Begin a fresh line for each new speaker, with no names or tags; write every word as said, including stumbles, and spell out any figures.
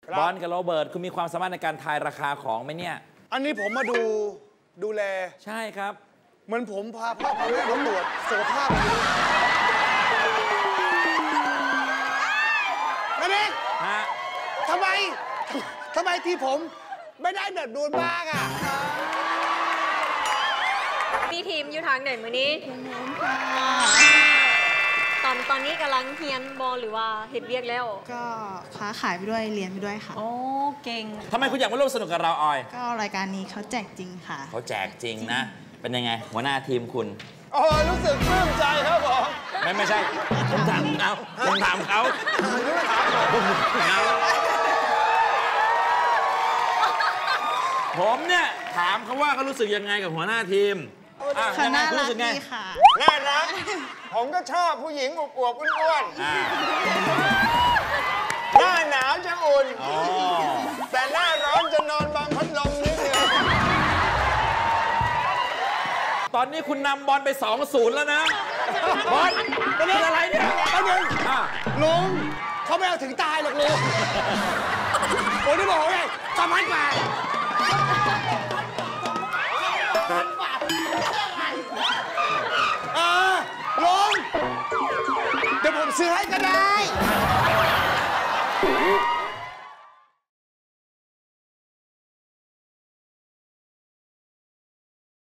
บอลกับโรเบิร์ตคุณมีความสามารถในการทายราคาของไหมเนี่ย
อันนี้ผมมาดูดูแล
ใช่ครับ
เหมือนผมพาพ่อพาแม่มาตรวจสุขภาพนั่นเอง
ฮะ
ทำไมทำไมที่ผมไม่ได้แบบดูนบ้างอ่ะ
มีทีมอยู่ทางไหนมือนี้ตอนตอนนี้กำลังเฮียนบอลหรือว่าเห็ดเวียกแล้ว
ก็ค้าขายไปด้วยเรียนไปด้วยค่ะ
โอ้เก่ง
ทำไมคุณอยากมาร่วมสนุกกับเราออย
ก็รายการนี้เขาแจกจริงค่ะ
เขาแจกจริงนะเป็นยังไงหัวหน้าทีมคุณ
โอ้รู้สึกปลื้มใจครับผม
ไม่ไม่ใช่ผมถามเขาผมถามเขาผมถามผมเนี่ยถามเขาว่าเขารู้สึกยังไงกับหัวหน้าทีม
ค่ะน่ารักดีค่ะ
น่ารักผมก็ชอบผู้หญิงอวบๆอ้วนๆหน้าหนาวจะอุ่นแต่หน้าร้อนจะนอนบังพัดลมนิดเดียว
ตอนนี้คุณนำบอลไป สองศูนย์ แล้วนะบอลเป็นอะไรเนี่ย
เอาหนึ่งลุงเขาไม่เอาถึงตายหรอกลุงโอ้ยนี่บอกไงสามพันบาทเออลุงเดี๋ยวผมซื้อให้ก็ได้